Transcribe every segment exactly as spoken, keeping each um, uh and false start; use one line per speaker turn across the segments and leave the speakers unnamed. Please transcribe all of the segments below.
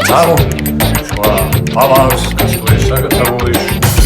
Канаву. Шла аванс, кастуется, готовуешь.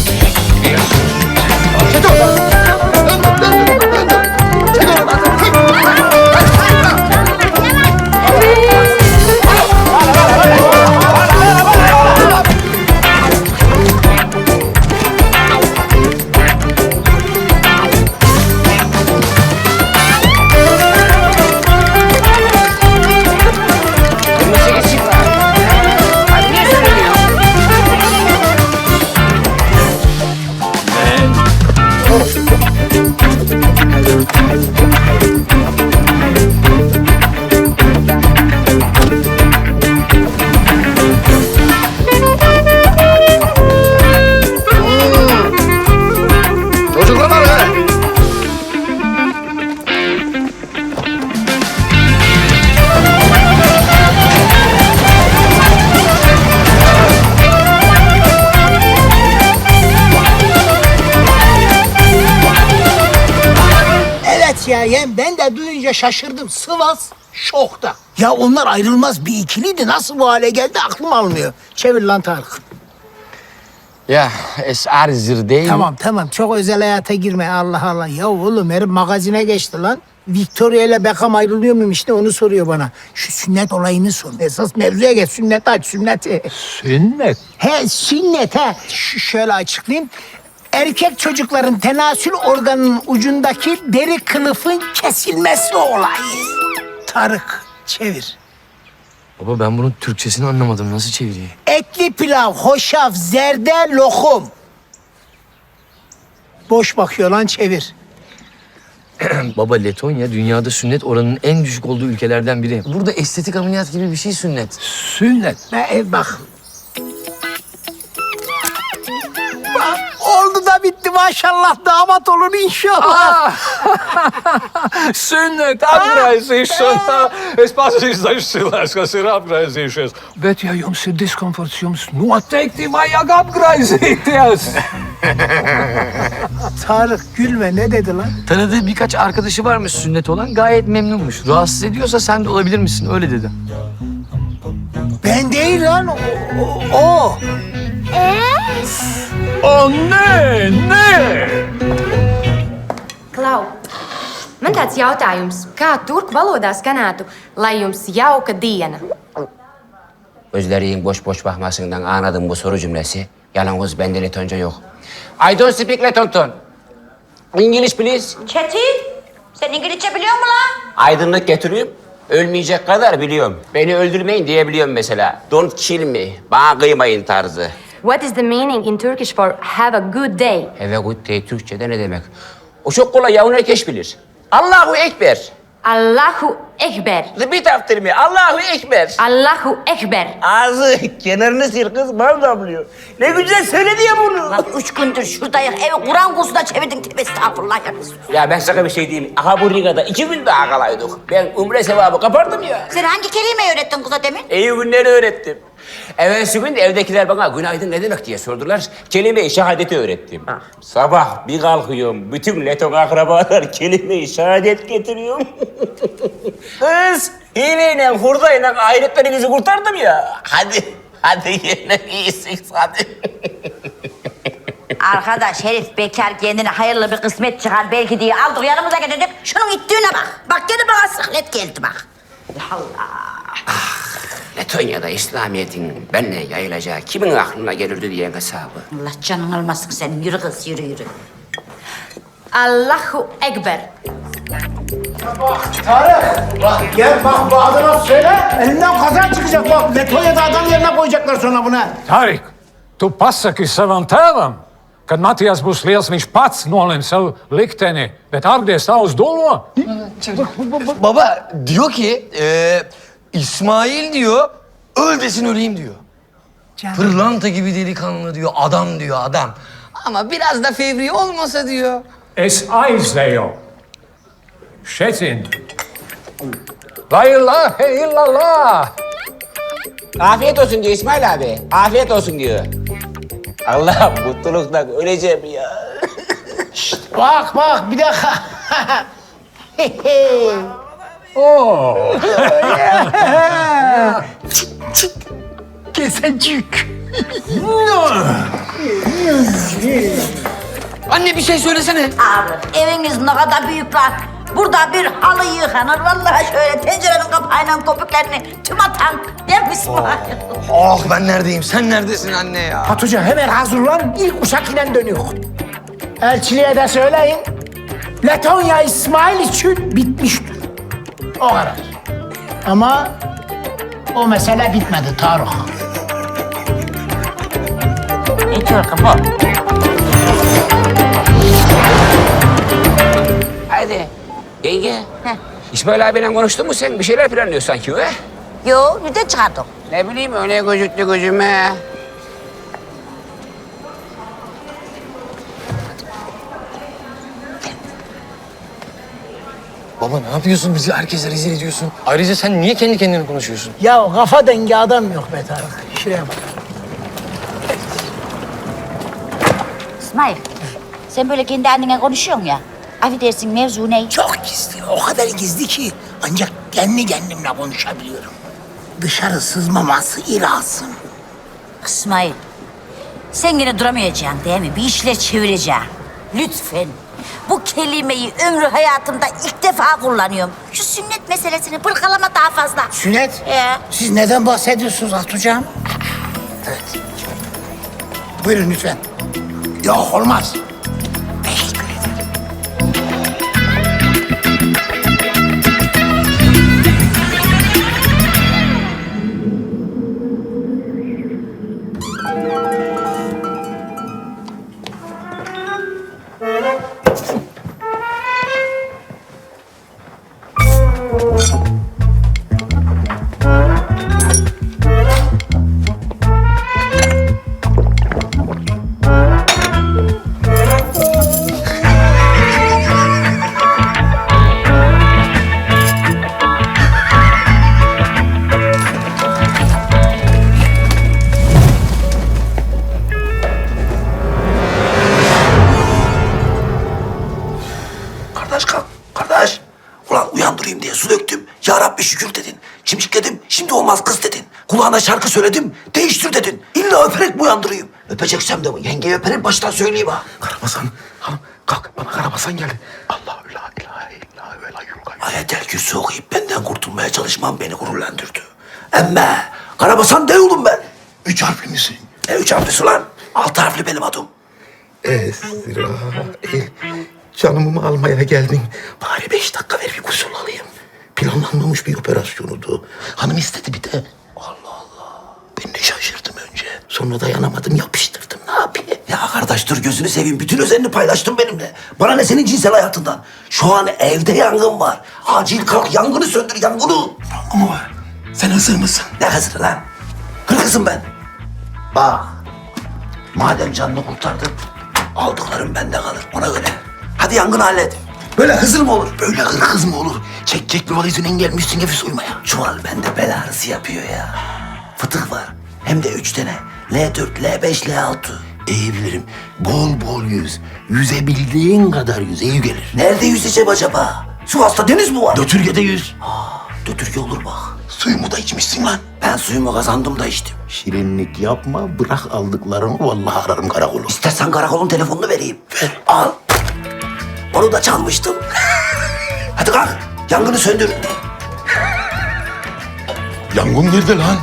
Ya yem ben de duyunca şaşırdım. Sivas şokta. Ya onlar ayrılmaz bir ikiliydi. Nasıl bu hale geldi aklım almıyor. Çevir lan Tarık.
Ya es arzır değil.
Tamam tamam çok özel hayata girme Allah Allah. Ya oğlum herif magazine geçti lan. Victoria ile Beckham ayrılıyor muymuş ne onu soruyor bana. Şu sünnet olayını sor. Esas mevzuya geç sünnet aç sünneti.
Sünnet.
He sünnet he. Ş- şöyle açıklayayım. Erkek çocukların tenasül organının ucundaki deri kılıfın kesilmesi olayı. Tarık çevir.
Baba ben bunun Türkçesini anlamadım. Nasıl çevireyim?
Etli pilav, hoşaf, zerde, lokum. Boş bakıyor lan çevir.
Baba Letonya dünyada sünnet oranının en düşük olduğu ülkelerden biri. Burada estetik ameliyat gibi bir şey sünnet.
Sünnet.
Ve ev bak. Bak, oldu da bitti maşallah damat olur inşallah.
Sünnet apgaizīšana. Es pats izdažīšos, kas ir apgaizīšies. Bet ja jums ir diskomforts, jums noteikti vajag apgaizīties.
Tarık gülme ne dedi lan?
Tanıdığı birkaç arkadaşı varmış sünnet olan gayet memnunmuş. Rahatsız ediyorsa sen de olabilir misin? Öyle dedi.
Ben değil lan o. o, o.
O nē, nē!
Klau, man tāds jautājums, kā turku valodā skanētu, lai jums jauka diena?
Gözlerin boş boş bakmasından anladım bu soru cümlesi. Yalnız bende Letonca yok. I don't speak Letonton. English please.
Çetin, sen İngilizce biliyor musun lan?
Aydınlık getireyim. Ölmeyecek kadar biliyorum. Beni öldürmeyin diyebiliyorum mesela. Don't kill me. Bana kıymayın tarzı.
What is the meaning in Turkish for have a good day?
Have a good day Türkçe'de ne demek? O çok kolay yavun herkes bilir. Allahu Ekber.
Allahu Ekber.
Repeat after me. Allahu Ekber.
Allahu Ekber.
Ağzı kenarını sil kız. Bal damlıyor. Ne güzel söyledi ya bunu.
Lan üç gündür şuradayız, evi Kur'an kursuna çevirdin. Tövbe estağfurullah ya.
Ya ben sana bir şey diyeyim. Aha bu Riga'da iki gün daha kalaydık. Ben umre sevabı kapardım ya.
Sen hangi kelimeyi öğrettin kıza demin?
İyi günleri öğrettim. Evvelsi gün de evdekiler bana günaydın ne demek diye sordular. Kelime-i şehadeti öğrettim. Sabah bir kalkıyorum, bütün Leton akrabalar kelime-i şehadet getiriyorum. Kız, hileyle, hurdayla ahiretlerinizi kurtardım ya. Hadi, hadi yine iyisiniz hadi.
Arkadaş herif bekar kendine hayırlı bir kısmet çıkar belki diye aldık yanımıza getirdik. Şunun ittiğine bak. Bak gene bana sıklet geldi bak. Allah.
Letonya'da İslamiyet'in benle yayılacağı kimin aklına gelirdi diye hesabı.
Allah canın almasın senin. Yürü kız yürü yürü.
Allahu Ekber.
Tarık bak gel bak bu adına söyle. Elinden kazan çıkacak bak. Letonya'da adam yerine koyacaklar sonra buna.
Tarik, tu pasaki savam tēvam, kad Matijas būs liels, viņš pats nolems savu likteni, bet Argdies tā uz dolo.
Baba diyor ki e, İsmail diyor öl desin öleyim diyor.
Canım.
Pırlanta gibi delikanlı diyor adam diyor adam. Ama biraz da fevri olmasa diyor.
Es aizēju. Šecin. La ilahe illallah.
Afiyet olsun diyor İsmail abi. Afiyet olsun diyor. Allah mutluluktan öleceğim ya.
Bak bak bir dakika.
Oo.
kesecek.
Anne bir şey söylesene.
Abi eviniz ne kadar büyük lan. Burada bir halı yıkanır. Vallahi şöyle tencerenin kapağıyla köpüklerini tüm atan. Değil mi İsmail?
Ah ben neredeyim? Sen neredesin anne ya?
Hatuca hemen hazırlan. İlk uçak ile dönüyor. Elçiliğe de söyleyin. Letonya İsmail için bitmiştir. O kadar. Ama o mesele bitmedi Tarık.
Ne diyor ki bu?
Haydi. Yenge.
Heh.
İsmail abiyle konuştun mu sen? Bir şeyler planlıyor sanki he?
Yo, nereden çıkardın?
Ne bileyim öyle gözüktü gözüme.
Baba ne yapıyorsun? Bizi herkese rezil ediyorsun. Ayrıca sen niye kendi kendine konuşuyorsun?
Ya kafa dengi adam yok be Tarık. Şuraya bak.
İsmail, sen böyle kendi annene konuşuyorsun ya. Affedersin mevzu ne?
Çok gizli. O kadar gizli ki ancak kendi kendimle konuşabiliyorum. Dışarı sızmaması lazım.
İsmail, sen yine duramayacaksın değil mi? Bir işler çevireceksin. Lütfen. Bu kelimeyi ömrü hayatımda ilk defa kullanıyorum. Şu sünnet meselesini bırkalama daha fazla.
Sünnet?
Ee?
Siz neden bahsediyorsunuz Hatucam? Evet. Buyurun lütfen. Yok olmaz. Teşekkür ederim.
Kardeş kalk, kardeş. Ulan uyandırayım diye su döktüm. Ya Rabbi şükür dedin. Çimşikledim, şimdi olmaz kız dedin. Kulağına şarkı söyledim, değiştir dedin. İlla öperek mi uyandırayım? Öpeceksem de yengeyi öperim, baştan söyleyeyim ha.
Karabasan, hanım kalk bana Karabasan geldi. Allahu la ilahe illa ve la yulgay.
Ayetel kürsü okuyup benden kurtulmaya çalışmam beni gururlandırdı. Emme, Karabasan de oğlum ben.
Üç harfli misin?
E üç harflisi lan. Altı harfli benim adım.
Esrail, canımı almaya geldin. Bari beş dakika ver bir gusül alayım. Planlanmamış bir operasyonudu. Hanım istedi bir de. Allah Allah. Ben de şaşırdım önce. Sonra dayanamadım yapıştırdım. Ne yapayım?
Ya kardeş dur gözünü seveyim. Bütün özelini paylaştın benimle. Bana ne senin cinsel hayatından? Şu an evde yangın var. Acil kalk yangını söndür yangını.
Ama var. Sen hazır mısın?
Ne hazır lan? Hırkızım ben. Bak. Madem canını kurtardın, aldıklarım bende kalır ona göre. Hadi yangını hallet. Böyle hızır mı olur?
Böyle hırkız mı olur? Çekecek bir valizinden gelmişsin evi soymaya.
Çuval bende bel ağrısı yapıyor ya. Fıtık var. Hem de üç tane. L dört, L beş, L altı.
İyi bilirim. Bol bol yüz. Yüzebildiğin kadar yüz. İyi gelir.
Nerede yüzeceğim acaba? Sivas'ta deniz mi var?
Dötürgede yüz.
Dötürge olur bak.
Suyumu da içmişsin lan.
Ben suyumu kazandım da içtim.
Şirinlik yapma. Bırak aldıklarını. Vallahi ararım karakolu.
İstersen karakolun telefonunu vereyim. Ver. Al. Onu da çalmıştım. Hadi kalk. Yangını söndür.
Yangın nerede lan?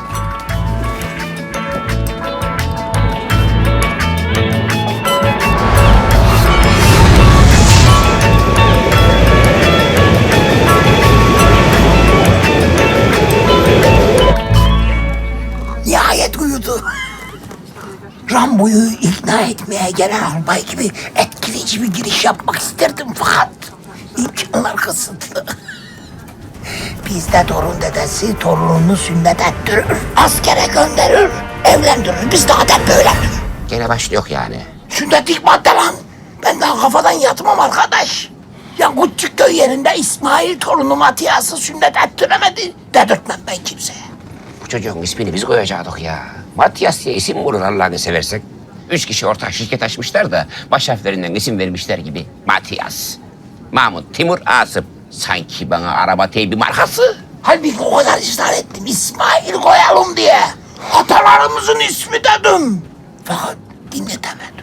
Nihayet uyudu. Rambo'yu ikna etmeye gelen albay gibi etkileyici bir giriş yapmak isterdim fakat imkanlar kısıtlı. Bizde torun dedesi torununu sünnet ettirir, askere gönderir, evlendirir. Bizde adet böyle.
Gene başlıyor yani.
Sünnet madde lan. Ben daha kafadan yatmam arkadaş. Ya Küçükköy yerinde İsmail torunu Matiyas'ı sünnet ettiremedi. Dedirtmem ben kimseye.
Bu çocuğun ismini biz koyacaktık ya. Matias diye isim mi olur Allah'ını seversek? Üç kişi ortak şirket açmışlar da baş harflerinden isim vermişler gibi. Matias, Mahmut, Timur, Asım. Sanki bana araba teybi markası.
Halbuki o kadar ısrar ettim İsmail koyalım diye. Atalarımızın ismi dedim. Fakat dinletemedim.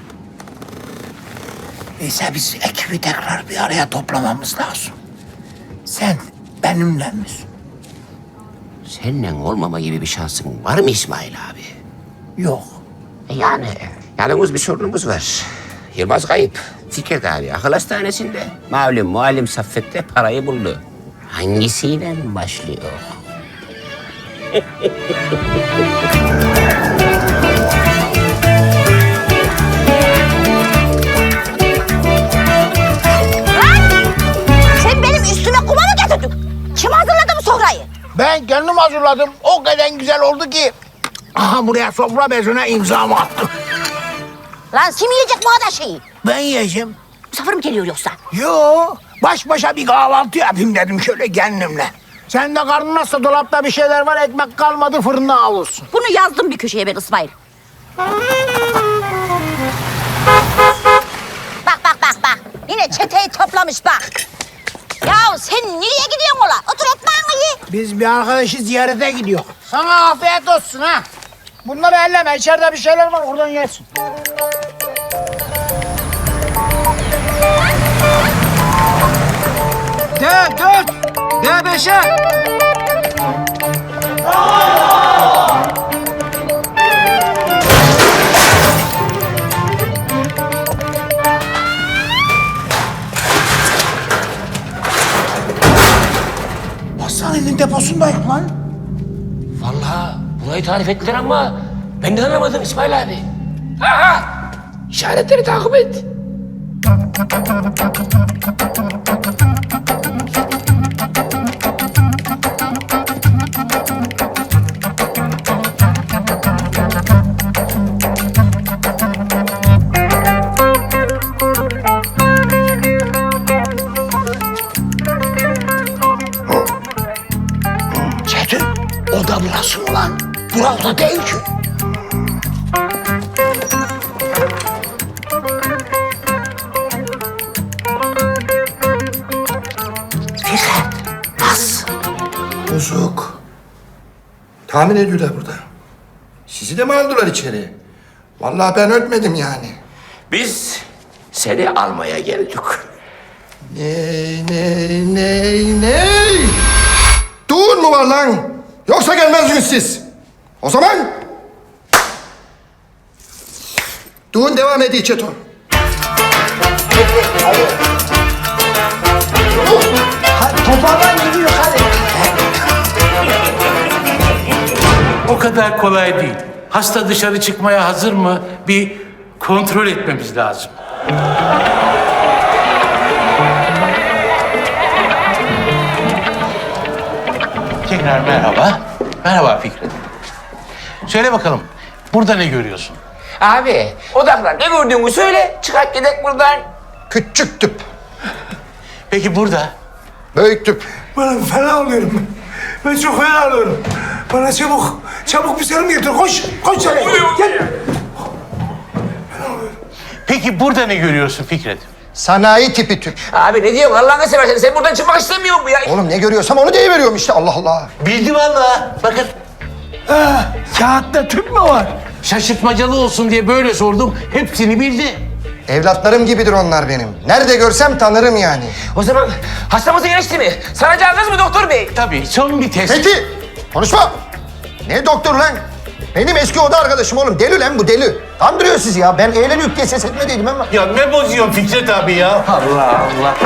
Neyse biz ekibi tekrar bir araya toplamamız lazım. Sen benimle misin?
Seninle olmama gibi bir şansın var mı İsmail abi?
Yok.
E Yani yalnız bir sorunumuz var. Yılmaz kayıp. Fikret abi akıl hastanesinde. Malum muallim Saffet'te parayı buldu. Hangisiyle başlıyor?
Sen benim üstüme kuma mı getirdin? Kim hazırladı bu sofrayı?
Ben kendim hazırladım. O kadar güzel oldu ki. Aha buraya sofra bezine imzamı attım.
Lan kim yiyecek bu kadar şeyi?
Ben yiyeceğim.
Misafir mi geliyor yoksa?
Yo, baş başa bir kahvaltı yapayım dedim şöyle kendimle. Sen de karnın nasıl dolapta bir şeyler var, ekmek kalmadı fırında avulsun.
Bunu yazdım bir köşeye ben İsmail. Bak bak bak bak. Yine çeteyi toplamış bak. Ya sen nereye gidiyorsun ola? Otur ekmeğini ye.
Biz bir arkadaşı ziyarete gidiyor. Sana afiyet olsun ha. Bunları elleme, içeride bir şeyler var oradan yersin.
D dört, D beşe.
Hastanenin deposundayım lan.
Vallahi burayı tarif ettiler ama ben de anlamadım İsmail abi. Aha! İşaretleri takip et.
Çetin, o da burası mı lan? Bura da değil ki. Fikret, nasıl?
Bozuk. Tahmin ediyorlar burada. Sizi de mi aldılar içeri? Vallahi ben ölmedim yani.
Biz seni almaya geldik.
Ney, ney, ney, ney? Dur mu var lan? Yoksa gelmezdiniz siz. O zaman... Düğün devam ediyor Çeto.
Toparlan gidiyor hadi.
O kadar kolay değil. Hasta dışarı çıkmaya hazır mı? Bir kontrol etmemiz lazım. Tekrar merhaba. Merhaba Fikret. Söyle bakalım, burada ne görüyorsun?
Abi odaklan ne gördüğünü söyle çıkart gidek buradan.
Küçük tüp.
Peki burada?
Büyük tüp.
Ben fena oluyorum. Ben çok fena oluyorum. Bana çabuk, çabuk bir serum getir. Koş, koş çabuk. Gel.
Peki burada ne görüyorsun Fikret?
Sanayi tipi tüp.
Abi ne diyorsun Allah'ını seversen sen buradan çıkmak istemiyor musun ya?
Oğlum ne görüyorsam onu deyiveriyorum işte Allah Allah.
Bildi vallahi. Bakın
Ha, kağıtta tüp mü var?
şaşırtmacalı olsun diye böyle sordum. Hepsini bildi.
Evlatlarım gibidir onlar benim. Nerede görsem tanırım yani.
O zaman hastamızı iyileşti mi? Saracağınız mı doktor bey?
Tabii son bir test.
Peki, konuşma. Ne doktor lan? Benim eski oda arkadaşım oğlum. Deli lan bu deli. Kandırıyor sizi ya. Ben eğleniyor diye ses etmediydim ama.
Ya ne bozuyorsun Fikret abi ya? Allah Allah.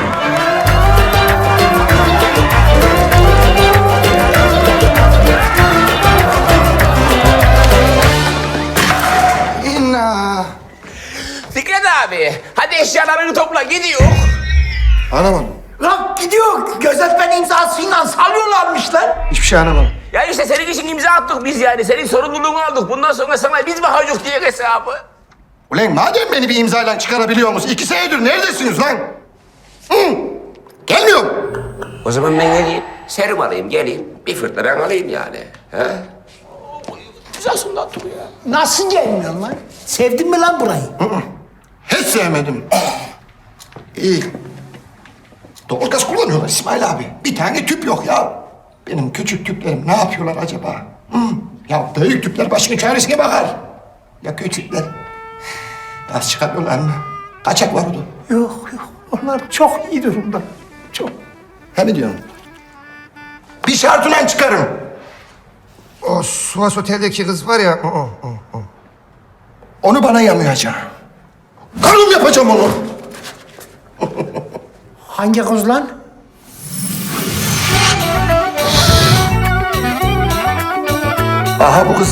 İnna.
Fikret abi hadi eşyalarını topla gidiyor.
Anlamadım.
Lan gidiyor. Gözetmen imzasıyla salıyorlarmış lan.
Hiçbir şey anlamadım.
Ya işte senin için imza attık biz yani. Senin sorumluluğunu aldık. Bundan sonra sana biz bakacağız diye hesabı.
Ulan madem beni bir imzayla çıkarabiliyor musunuz? İki senedir neredesiniz lan? Hı? Gelmiyorum.
O zaman ben geleyim. Serum alayım geleyim. Bir fırtına ben alayım yani. He? İmzasını attık ya.
Nasıl gelmiyorsun lan? Sevdin mi lan burayı?
Hiç sevmedim. İyi. Doğalgaz kullanıyorlar İsmail abi. Bir tane tüp yok ya. Benim küçük tüplerim ne yapıyorlar acaba? Hı? Ya büyük tüpler başının çaresine bakar. Ya küçükler? Gaz çıkartıyorlar mı? Kaçak var orada.
Yok yok, onlar çok iyi durumda. Çok.
He mi diyorsun? Bir şartla çıkarım. O Suas Otel'deki kız var ya, o, o, o, o. Onu bana yamayacağım. Karım yapacağım onu.
Hangi kız lan?
Aha bu kızı.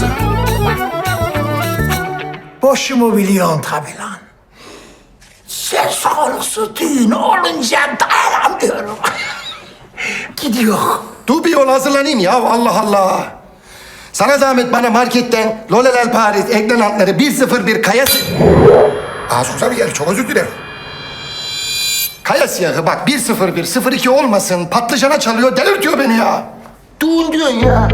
Boşumu biliyorsun tabii lan. Söz konusu düğün olunca dayanamıyorum. Gidiyor.
Dur bir yol hazırlanayım ya, Allah Allah. Sana zahmet bana marketten Lolelel Paris eklenantları bir sıfır bir kaya... Aa susar bir yer, çok özür dilerim. Kaya siyahı bak bir sıfır bir sıfır iki olmasın, patlıcana çalıyor, delirtiyor beni ya. Düğün diyorsun ya.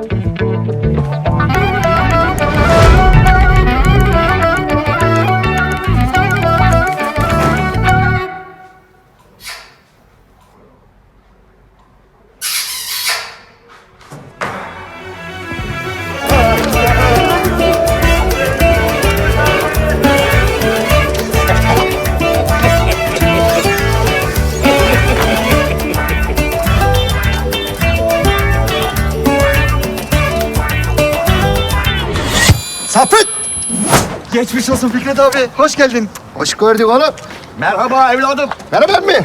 Sapık!
Geçmiş olsun Fikret abi. Hoş geldin.
Hoş gördük oğlum.
Merhaba evladım.
Merhaba emmi.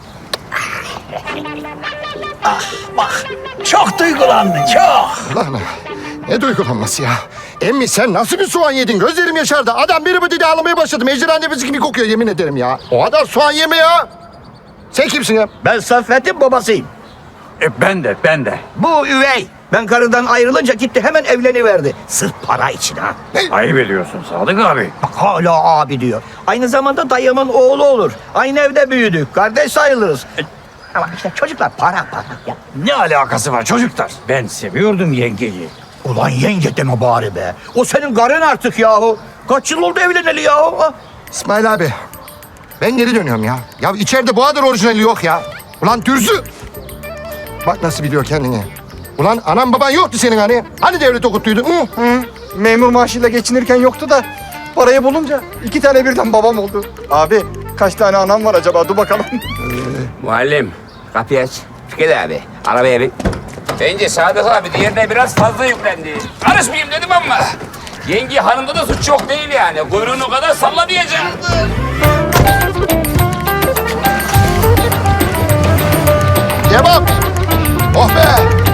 Çok duygulandın, çok.
Ulan ne duygulanması ya? Emmi sen nasıl bir soğan yedin? Gözlerim yaşardı. Adam biri bu dedi ağlamaya başladı. Ejderha nefesi gibi kokuyor yemin ederim ya. O kadar soğan yeme ya. Sen kimsin ya?
Ben Saffet'in babasıyım.
E, ben de, ben de.
Bu üvey. Ben karıdan ayrılınca gitti hemen evleniverdi. Sırf para için ha.
Ayıp ediyorsun Sadık abi.
Bak hala abi diyor. Aynı zamanda dayımın oğlu olur. Aynı evde büyüdük. Kardeş sayılırız. E, Ama işte çocuklar para para ya.
Ne alakası var çocuklar? Ben seviyordum yengeyi.
Ulan yenge deme bari be. O senin karın artık yahu. Kaç yıl oldu evleneli yahu? Ha?
İsmail abi. Ben geri dönüyorum ya. Ya içeride bu kadar orijinali yok ya. Ulan dürzü. Bak nasıl biliyor kendini. Ulan anan baban yoktu senin hani. Hani devlet okuttuydun? Hı?
Hı. Memur maaşıyla geçinirken yoktu da parayı bulunca iki tane birden babam oldu. Abi kaç tane anam var acaba? Dur bakalım.
Muallim, kapıyı aç. Fikret abi, arabaya bin. Bence Sadık abi diğerine biraz fazla yüklendi. Karışmayayım dedim ama. Yenge hanımda da suç çok değil yani. Kuyruğunu o kadar salla diyeceğim.
Devam. Oh be.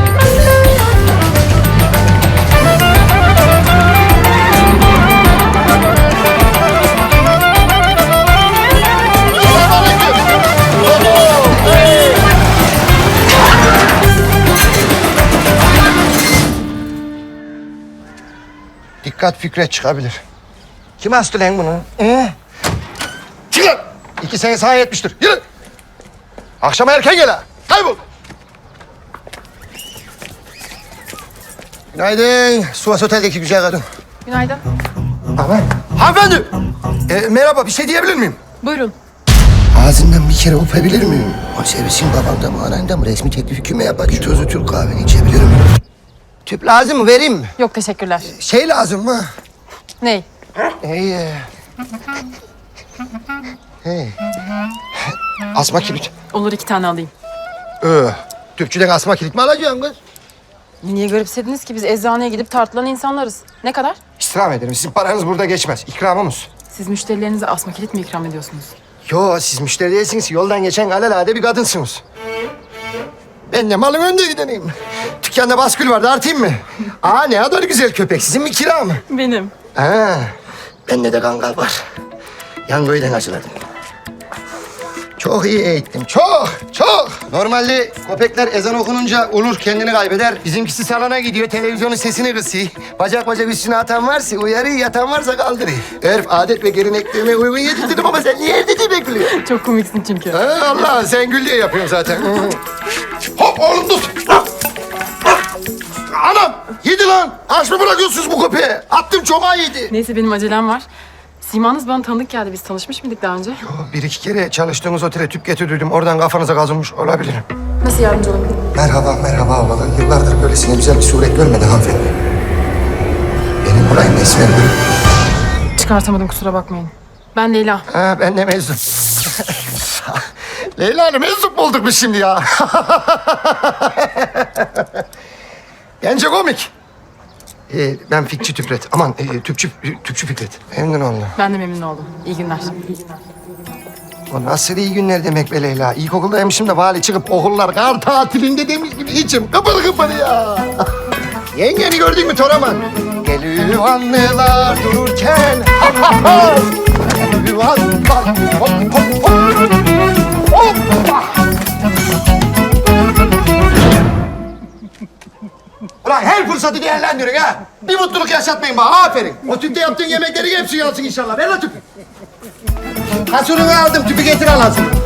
Dikkat Fikret çıkabilir. Kim astı lan bunu? Ee? Çık lan! İki sene sahaya etmiştir. Yürü! Akşama erken gel ha. Kaybol! Günaydın. Suas Otel'deki güzel kadın.
Günaydın.
Aman. Hanımefendi! Ee, merhaba, bir şey diyebilir miyim?
Buyurun.
Ağzından bir kere öpebilir miyim? O servisin babamda mı, ananda mı? Resmi teklifi kime yapar? Bir tozlu Türk kahveni içebilir miyim? Tüp lazım mı? Vereyim mi?
Yok teşekkürler.
Şey lazım mı?
Ney?
Hey. e, Hey. Asma kilit.
Olur iki tane alayım.
Ee, tüpçüden asma kilit mi alacaksın kız?
Niye garipsediniz ki biz eczaneye gidip tartılan insanlarız. Ne kadar?
İstirham ederim. Sizin paranız burada geçmez. İkramımız.
Siz müşterilerinize asma kilit mi ikram ediyorsunuz?
Yo, siz müşteri değilsiniz. Yoldan geçen alelade bir kadınsınız. Ben de malın önde gideneyim. Dükkanda baskül vardı, artayım mı? Aa, ne kadar güzel köpek. Sizin mi, kira mı?
Benim.
Ha, bende de kangal var. Yangoy'dan acıladım. Çok iyi eğittim. Çok, çok. Normalde köpekler ezan okununca olur kendini kaybeder. Bizimkisi salona gidiyor, televizyonun sesini kısıyor. Bacak bacak üstüne atan varsa uyarıyor, yatan varsa kaldırıyor. Örf, adet ve geleneklerine uygun yedirdim ama sen niye erdi bekliyorsun?
Çok komiksin çünkü.
Ha, Allah, sen gül diye yapıyorsun zaten. Hop oğlum dur. Anam, yedi lan. Aç mı bırakıyorsunuz bu köpeği? Attım çok yedi.
Neyse benim acelem var. Simanız bana tanıdık geldi. Biz tanışmış mıydık daha önce?
Bir iki kere çalıştığınız otele tüp getirdim. Oradan kafanıza kazınmış olabilirim.
Nasıl yardımcı olabilirim?
Merhaba, merhaba ablalar. Yıllardır böylesine güzel bir suret görmedi hanımefendi. Benim olayım Esmer Gül.
Çıkartamadım kusura bakmayın. Ben Leyla.
Ha, ben de meczup. Leyla Hanım meczup mu olduk biz şimdi ya? Bence komik. Ee, ben Fikçi Tüfret. Aman e, Tüpçü, Tüpçü Fikret. Memnun oldum.
Ben de memnun oldum. İyi günler.
O nasıl iyi günler demek be Leyla. İlkokuldaymışım da vali çıkıp okullar kar tatilinde demiş gibi içim kıpır kıpır ya. Yengeni gördün mü Toraman? Geliyor anneler dururken. Geliyor anneler. Hop hop hop. Hoppa. Ulan her fırsatı değerlendirin ha. Bir mutluluk yaşatmayın bana. Aferin. O tüpte yaptığın yemeklerin hepsi yansın inşallah. Ver la tüpü. Kasurunu aldım. Tüpü getir al hazır.